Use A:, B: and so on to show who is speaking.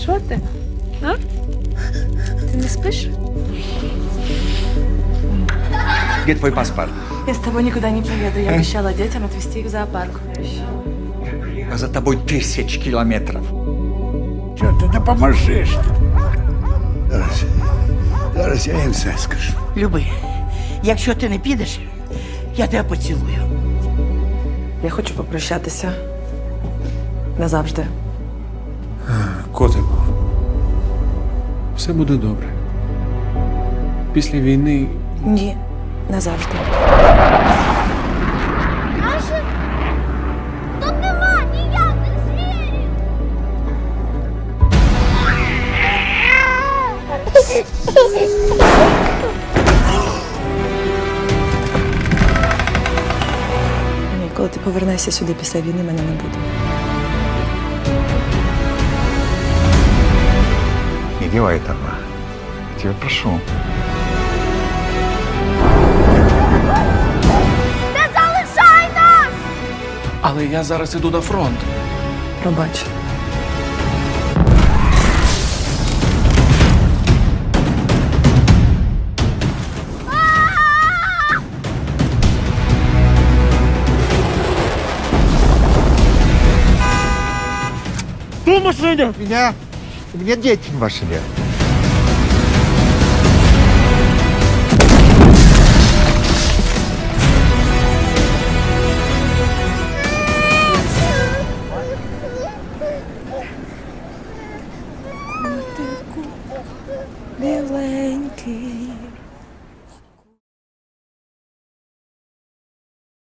A: Що ти? А? Ти не спиш?
B: Где твой паспорт?
A: Я с тобой никуда не поеду. Я обещала детям отвезти их в зоопарк.
B: А за тобой 1000 километров.
C: Чого ти не поможеш? Зараз я їм все скажу.
D: Люби, якщо ти не підеш, я тебе поцілую.
A: Я хочу попрощатися. Назавжди.
E: Котику, все буде добре. Після війни
A: Ні, назавжди.
F: Тут нема ніяких звірів!
A: Ні, коли ти повернешся сюди після війни, мене не буде.
B: Не делай этого. Я тебя прошу.
F: Не залишай нас!
E: Але я зараз іду на фронт.
A: Пробач.
B: У меня дети в машине.